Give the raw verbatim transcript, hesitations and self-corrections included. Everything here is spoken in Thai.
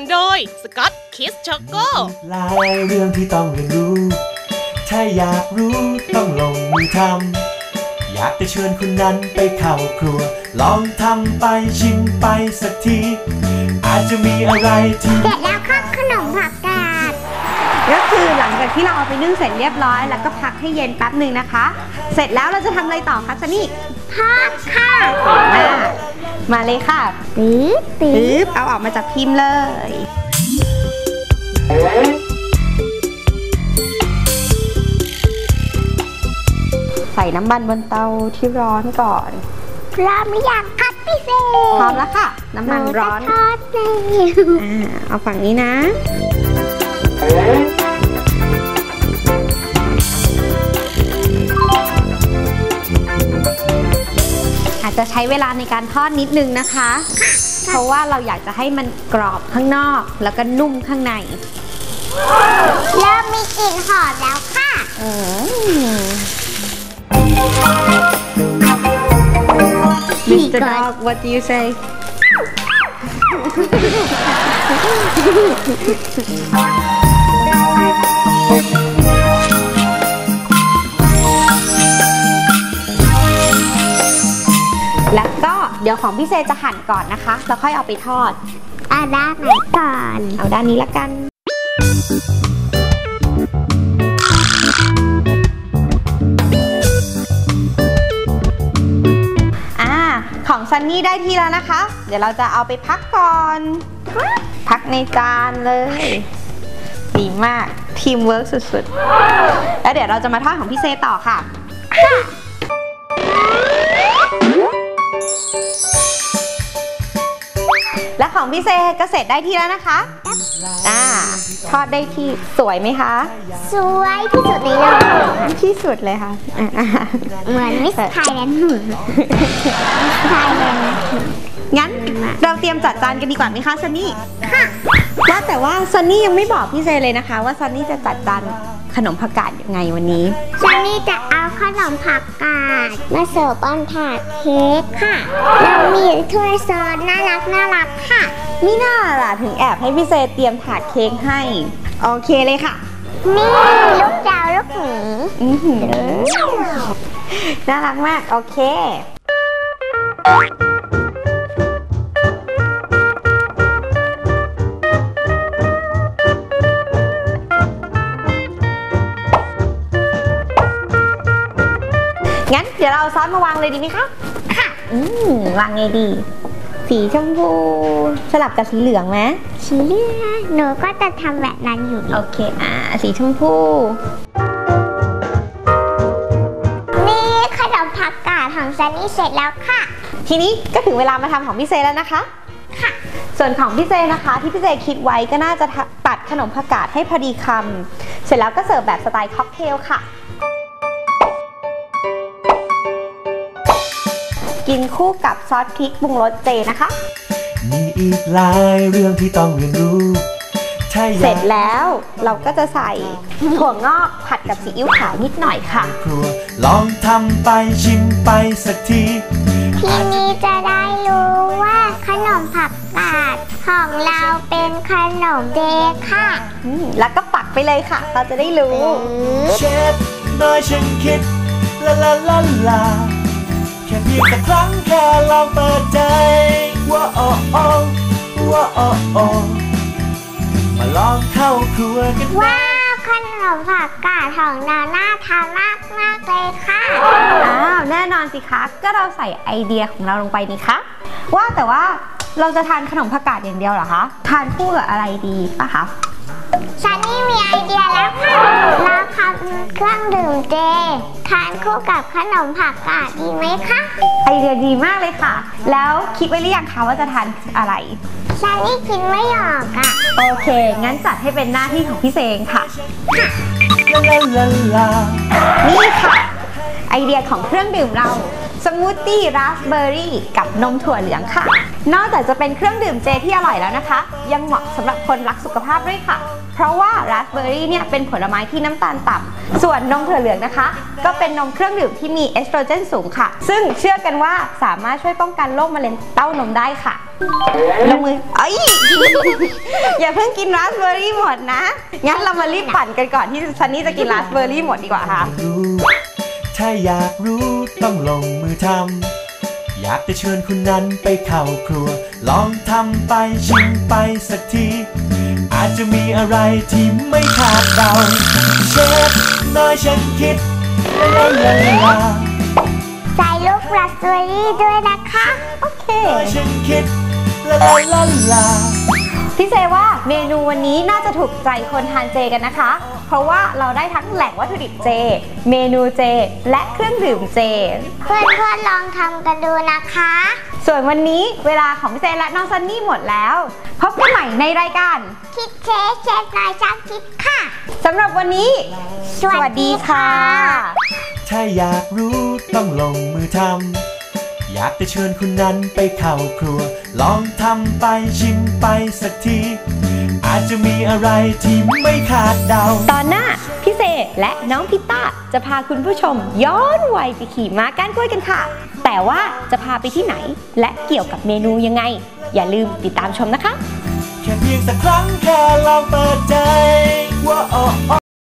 โดยสกอตคิสช็อกโกหลายเรื่องที่ต้องเรียนรู้ถ้าอยากรู้ต้องลงมือทำอยากจะเชิญคุณนั้นไปเข้าครัวลองทำไปชิมไปสักทีอาจจะมีอะไรที่เสร็จแล้วครับขนมผักกาดก็คือหลังจากที่เราเอาไปนึ่งเสร็จเรียบร้อยแล้วก็พักให้เย็นแป๊บหนึ่งนะคะเสร็จแล้วเราจะทำอะไรต่อคะซันนี่ทอดค่ะมาเลยค่ะปึ๊บปึ๊บเอาออกมาจากพิมพ์เลยใส่น้ำมันบนเตาที่ร้อนก่อนพร้อมหรือยังครับพี่เซพร้อมแล้วค่ะน้ำมันร้อนทอดเลยอ่าเอาฝั่งนี้นะอาจจะใช้เวลาในการทอดนิดนึงนะคะเพราะว่าเราอยากจะให้มันกรอบข้างนอกแล้วก็นุ่มข้างในเริ่มมีกลิ่นหอมแล้วค่ะมิสเตอร์ Dog what do you say แล้วก็เดี๋ยวของพี่เซจะหั่นก่อนนะคะแล้วค่อยเอาไปทอดเอาด้านไหนก่อนเอาด้านนี้ละกันอ่าของซันนี่ได้ทีแล้วนะคะเดี๋ยวเราจะเอาไปพักก่อนพักในจานเลยดีมากทีมเวิร์กสุดๆแล้วเดี๋ยวเราจะมาทอดของพี่เซต่อค่ะและของพี่เซก็เสร็จได้ที่แล้วนะคะอ่าทอดได้ที่สวยไหมคะสวยที่สุดในโลกที่สุดเลยค่ะเหมือนมิสไทยแลนด์ไทยแลนด์งั้นเราเตรียมจัดจานกันดีกว่าไหมคะซันนี่ค่ะว่าแต่ว่าซันนี่ยังไม่บอกพี่เซเลยนะคะว่าซันนี่จะจัดจานขนมผักกาดยังไงวันนี้ซันนี่จะเอาขนมผักกาดมาเสิร์ฟบนถาดเค้กค่ะเรามีถ้วยซอสน่ารักน่ารักค่ะมิน่าล่ะถึงแอบให้พี่เซเตรียมถาดเค้กให้โอเคเลยค่ะนี่ลูกดาวลูกหมีน่ารักมากโอเคงั้นเดี๋ยวเราเอาซอสมาวางเลยดีไหมคะค่ะอืมวางไงดีสีชมพูสลับกับสีเหลืองไหมสีเหลืองหนูก็จะทำแบบนั้นอยู่โอเคอ่าสีชมพูนี่ขนมผักกาดของซันนี่เสร็จแล้วค่ะทีนี้ก็ถึงเวลามาทำของพี่เซแล้วนะคะค่ะส่วนของพี่เซนะคะที่พี่เซคิดไว้ก็น่าจะตัดขนมผักกาดให้พอดีคำเสร็จแล้วก็เสิร์ฟแบบสไตล์ค็อกเทลค่ะกินคู่กับซอสพริกปรุงรสเจนะคะมีอีกหลายเรื่องที่ต้องเรียนรู้เสร็จแล้วเราก็จะใส่ถั่วงอกผัดกับซีอิ๊วขาวนิดหน่อยค่ะลองทำไปชิมไปสักทีทีนี้จะได้รู้ว่าขนมผักกาดของเราเป็นขนมเจค่ะแล้วก็ปักไปเลยค่ะเราจะได้รู้เชฟน้อยฉันคิดลาลาลาลาแค่เพียงแต่ครั้งแค่ลองเปิดใจว่าโอ้โอ้ว่าโอ้โอ้มาลองเข้าครัวกันว้าวขนมผักกาดของเราน่าทานมากมากเลยค่ะอ้าวแน่นอนสิคะก็เราใส่ไอเดียของเราลงไปนี่คะว่าแต่ว่าเราจะทานขนมผักกาดอย่างเดียวเหรอคะทานคู่กับอะไรดีป่ะคะซันนี่มีไอเดียแล้วค่ะเราทำเครื่องดื่มเจทานคู่กับขนมผักกาดดีไหมคะไอเดียดีมากเลยค่ะแล้วคิดไว้หรือยังคะว่าจะทานอะไรซันนี่คิดไม่ออกอ่ะโอเคงั้นจัดให้เป็นหน้าที่ของพี่เซงค่ะนี่ค่ะไอเดียของเครื่องดื่มเราสมูทตี้ราสเบอร์รี่กับนมถั่วเหลืองค่ะนอกจากจะเป็นเครื่องดื่มเจที่อร่อยแล้วนะคะยังเหมาะสำหรับคนรักสุขภาพด้วยค่ะเพราะว่าราสเบอร์รี่เนี่ยเป็นผลไม้ที่น้ำตาลต่ส่วนนมถั่วเหลืองนะคะก็เป็นนมเครื่องดื่มที่มีเอสโตรเจนสูงค่ะซึ่งเชื่อกันว่าสามารถช่วยป้องกันโรคมะเร็งเต้านมได้ค่ะลงมือเอ้ย อย่าเพิ่งกินราสเบอร์รี่หมดนะงั้นเรามารีบปั่นกันก่อนที่ซันนี่จะกินราสเบอร์รี่หมดดีกว่าค่ะถ้าอยากรู้ต้องลงมือทำอยากจะเชิญคุณนั้นไปเข้าครัวลองทำไปชิมไปสักทีอาจจะมีอะไรที่ไม่คาดเดาเชฟน้อยฉันคิดลาลาลาใส่ลูกราสเบอร์รี่ด้วยนะคะโอเคน้อยฉันคิดลาลาลาลาพี่เจว่าเมนูวันนี้น่าจะถูกใจคนทานเจกันนะคะเพราะว่าเราได้ทั้งแหล่งวัตถุดิบเจเมนูเจและเครื่องดื่มเจเพื่อนๆลองทำกันดูนะคะส่วนวันนี้เวลาของพี่เจและน้องซันนี่หมดแล้วพบกันใหม่ในรายการคิดเชฟเชฟน้อยช่างคิดค่ะสำหรับวันนี้สวัสดีค่ะถ้าอยากรู้ต้องลงมือทำอยากจะเชิญคุณนั้นไปเข้าครัวลองทำไปชิมไปสักทีอาจจะมีอะไรที่ไม่คาดเดาตอนหน้าพี่เซและน้องพิต้าจะพาคุณผู้ชมย้อนวัยไปขี่ม้าก้านกล้วยกันค่ะแต่ว่าจะพาไปที่ไหนและเกี่ยวกับเมนูยังไงอย่าลืมติดตามชมนะคะแค่เพียงสักครั้งแค่ลองเปิดใจว่า